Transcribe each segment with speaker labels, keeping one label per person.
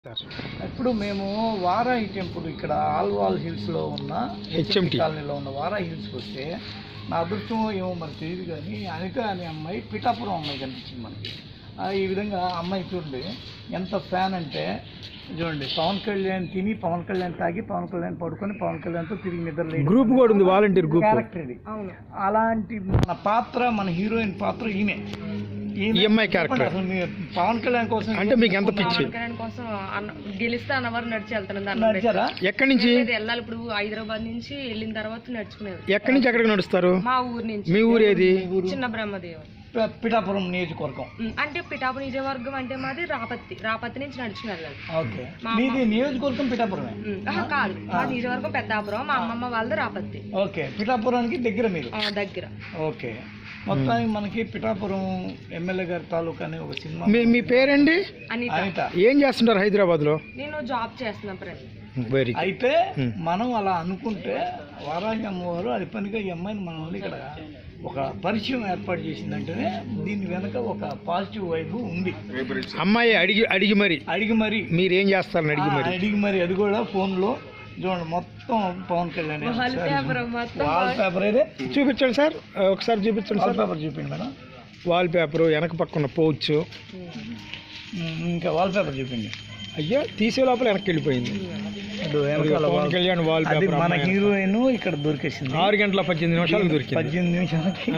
Speaker 1: ఇప్పుడు మేము వారాహి టెంపుల్ ఇక్కడ ఆల్వాల్ హిల్స్లో ఉన్న హెచ్ఎంటి కాలనీలో ఉన్న వారాహి హిల్స్కి వస్తే నా అదృష్టం ఏమో మరి తెలియదు కానీ అనిత అనే అమ్మాయి పిఠాపురం అమ్మాయి కనిపించింది మనకి. ఈ విధంగా అమ్మాయి చూడండి ఎంత ఫ్యాన్ అంటే చూడండి, పవన్ కళ్యాణ్ తిని పవన్ కళ్యాణ్ తాగి పవన్ కళ్యాణ్ పడుకొని పవన్ కళ్యాణ్తో తిరిగి నిద్ర
Speaker 2: గ్రూప్ కూడా ఉంది, వాలంటీర్ గ్రూప్
Speaker 1: క్యారెక్టర్ ఇది. అలాంటి మన పాత్ర, మన హీరోయిన్ పాత్ర ఈమె
Speaker 2: ఈఎంఐ క్యారెక్టర్.
Speaker 1: అసలు మీరు పవన్ కళ్యాణ్ కోసం
Speaker 2: అంటే మీకు ఎంత పిచ్చి?
Speaker 3: కోసం గెలిస్తే అన్నవారు నడిచి వెళ్తాను.
Speaker 1: నడిచారా?
Speaker 2: ఎక్కడి నుంచి
Speaker 3: వెళ్ళాలి? ఇప్పుడు హైదరాబాద్ నుంచి వెళ్ళిన తర్వాత నడుచుకునేది.
Speaker 2: ఎక్కడి నుంచి ఎక్కడికి నడుస్తారు?
Speaker 3: మా ఊరు నుంచి.
Speaker 2: మీ ఊరు ఏది?
Speaker 3: చిన్న బ్రహ్మదేవ్.
Speaker 1: పిఠాపురం నియోజకవర్గం.
Speaker 3: అంటే పిఠాపురం నియోజకవర్గం అంటే మాది రాపత్తి నుంచి నడుచుకుని వెళ్ళాలి.
Speaker 1: ఓకే, మీది నియోజకవర్గం పిఠాపురమే?
Speaker 3: కాదు, మా నియోజకవర్గం పెద్దాపురం, మా అమ్మమ్మ వాళ్ళది రాపత్తి.
Speaker 1: ఓకే, పిఠాపురానికి దగ్గర మీరు?
Speaker 3: దగ్గర.
Speaker 1: ఓకే, మొత్తానికి మనకి పిఠాపురం ఎమ్మెల్యే గారి తాలూకా అనే ఒక సినిమా.
Speaker 2: మీ పేరండి?
Speaker 3: అనిత.
Speaker 2: ఏం చేస్తుంటారు హైదరాబాద్ లో?
Speaker 3: నేను జాబ్ చేస్తున్నా ప్రతి.
Speaker 1: అయితే మనం అలా అనుకుంటే వారాహి అమ్మవారు అది పనిగా ఈ అమ్మాయిని మన వాళ్ళు ఇక్కడ ఒక పరిచయం ఏర్పాటు చేసిందంటేనే దీని వెనక ఒక పాజిటివ్ వైపు ఉంది.
Speaker 2: అమ్మాయి అడిగి మరి మీరేం చేస్తారని
Speaker 1: అడిగి మరి అది కూడా ఫోన్లో చూడండి, మొత్తం పవన్ కళ్యాణ్ వాల్ పేపర్ అయితే
Speaker 2: చూపించండి సార్, ఒకసారి చూపించండి సార్.
Speaker 1: పేపర్ చూపించండి మేడం.
Speaker 2: వాల్ పేపర్ వెనక పక్కన పోవచ్చు.
Speaker 1: ఇంకా వాల్ పేపర్ చూపించండి.
Speaker 2: అయ్యో, తీసే లోపల వెనక్కి వెళ్ళిపోయింది. పవన్ కళ్యాణ్ వాల్ పేపర్
Speaker 1: మన హీరోయిన్ ఇక్కడ దొరికేసింది.
Speaker 2: 6:18 దొరికింది.
Speaker 1: 18 నిమిషాలకి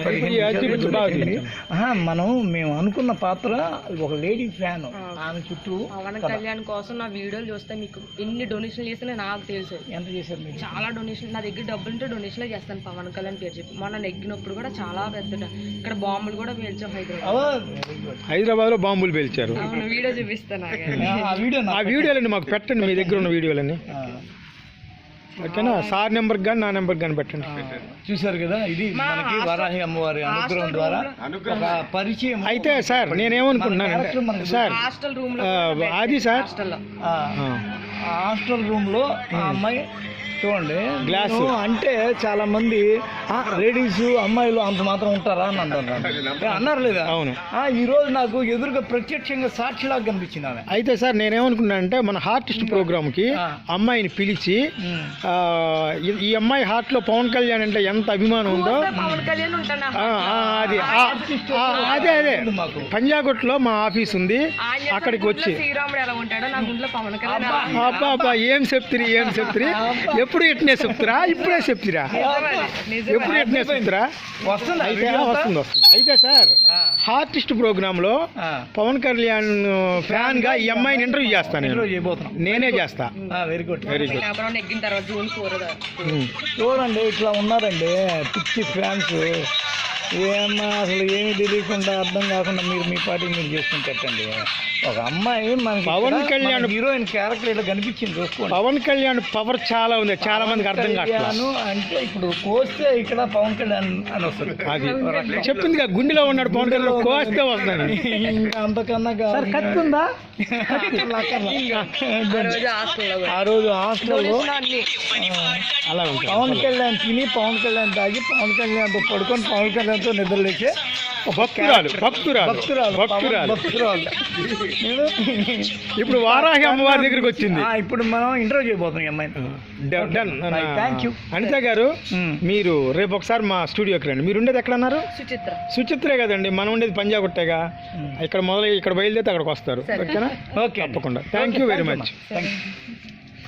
Speaker 1: మేము అనుకున్న పాత్ర ఒక లేడీ ఫ్యాన్. ఆమె చుట్టూ
Speaker 3: పవన్ కళ్యాణ్ కోసం నా వీడియోలు చూస్తే మీకు ఎన్ని డొనేషన్లు చేస్తే నాకు తెలుసు.
Speaker 1: ఎంత చేశారు మీరు?
Speaker 3: చాలా డొనేషన్. నా దగ్గర డబ్బులు ఉంటే డొనేషన్లే చేస్తాను పవన్ కళ్యాణ్ పేరు చెప్పి. మొన్న నెగ్గినప్పుడు కూడా చాలా పెద్ద ఇక్కడ బాంబులు కూడా పేల్చాం
Speaker 2: హైదరాబాద్ లో బాంబులు పేల్చారు.
Speaker 3: వీడియో చూపిస్తాను.
Speaker 2: ఆ వీడియోలన్నీ మాకు పెట్టండి, మీ దగ్గర ఉన్న వీడియోలన్నీ. ఓకేనా? సార్ నెంబర్ కానీ నా నెంబర్ కానీ పెట్టండి.
Speaker 1: చూసారు కదా, ఇది మనకి వారాహి అమ్మవారి అనుగ్రహం ద్వారా ఒక పరిచయం.
Speaker 2: అయితే సార్ నేనేమనుకుంటున్నాను సార్,
Speaker 3: హాస్టల్ రూమ్ లో
Speaker 2: అది సార్
Speaker 1: హాస్టల్ రూమ్ లో ఆ అమ్మాయి చూడండి
Speaker 2: గ్లాస్
Speaker 1: అంటే చాలా మంది లేడీస్ అమ్మాయిలు అంత మాత్రం ఉంటారా అని అన్నారు లేదా?
Speaker 2: అవును.
Speaker 1: ఈ రోజు నాకు ఎదురుగా ప్రత్యక్షంగా సాక్షిలాగా కనిపించింది ఆమె.
Speaker 2: అయితే సార్ నేనేమనుకున్నా అంటే మన హార్టిస్ట్ ప్రోగ్రామ్ కి అమ్మాయిని పిలిచి ఈ అమ్మాయి హార్ట్ లో పవన్ కళ్యాణ్ అంటే ఎంత అభిమానం ఉందో అది అదే పంజాగుట్లో మా ఆఫీస్ ఉంది, అక్కడికి వచ్చి అబ్బా ఏం చెప్తిరి ఎప్పుడు ఎట్నే చెప్తురా, ఇప్పుడే చెప్తురా, ఎప్పుడు ఎట్నే చెప్తురా? వస్తుంది. అయితే సార్ హార్టిస్ట్ ప్రోగ్రామ్ లో పవన్ కళ్యాణ్ ఫ్యాన్ గా ఈ అమ్మాయిని ఇంటర్వ్యూ చేస్తాను. నేనే చేస్తా.
Speaker 1: Very good. చూడండి ఇట్లా ఉన్నారండి పిచ్చి ఫ్యాన్స్. ఏమన్నా అసలు ఏమి తెలియకుండా అర్థం కాకుండా మీరు మీ పార్టీ మీరు చేసుకుంటండి. ఒక అమ్మాయి మనకి
Speaker 2: పవన్ కళ్యాణ్
Speaker 1: హీరోయిన్ క్యారెక్టర్ ఇలా కనిపించింది చూసుకోండి.
Speaker 2: పవన్ కళ్యాణ్ పవర్ చాలా ఉంది, చాలా మందికి అర్థం కావట్లేదు.
Speaker 1: అంటే ఇప్పుడు కోస్తే ఇక్కడ పవన్ కళ్యాణ్ అని వస్తుంది. అది
Speaker 2: చెప్పింది కదా, గుండెలో ఉన్నాడు పవన్ కళ్యాణ్, కోస్తే వస్తాను.
Speaker 1: ఇంకా అంతకన్నా కత్తుందా? ఆ రోజు హాస్టల్లో
Speaker 2: అలా
Speaker 1: పవన్ కళ్యాణ్ తిని పవన్ కళ్యాణ్ తాగి పవన్ కళ్యాణ్తో పడుకొని పవన్ కళ్యాణ్తో నిద్రలేచే
Speaker 2: భక్తురాలు. ఇప్పుడు వారాహి అమ్మవారి దగ్గరికి వచ్చింది.
Speaker 1: ఇప్పుడు మనం ఇంటర్వ్యూ చేయబోతున్నాం అమ్మాయిని. Thank you.
Speaker 2: అనిత గారు, మీరు రేపు ఒకసారి మా స్టూడియోకి రండి. మీరు ఉండేది ఎక్కడ అన్నారు? సుచిత్రే కదండి, మనం ఉండేది పంజాగుట్టేగా. ఇక్కడ బయలుదేరితే అక్కడికి వస్తారు. ఓకేనా? ఓకే, తప్పకుండా. Thank you very much.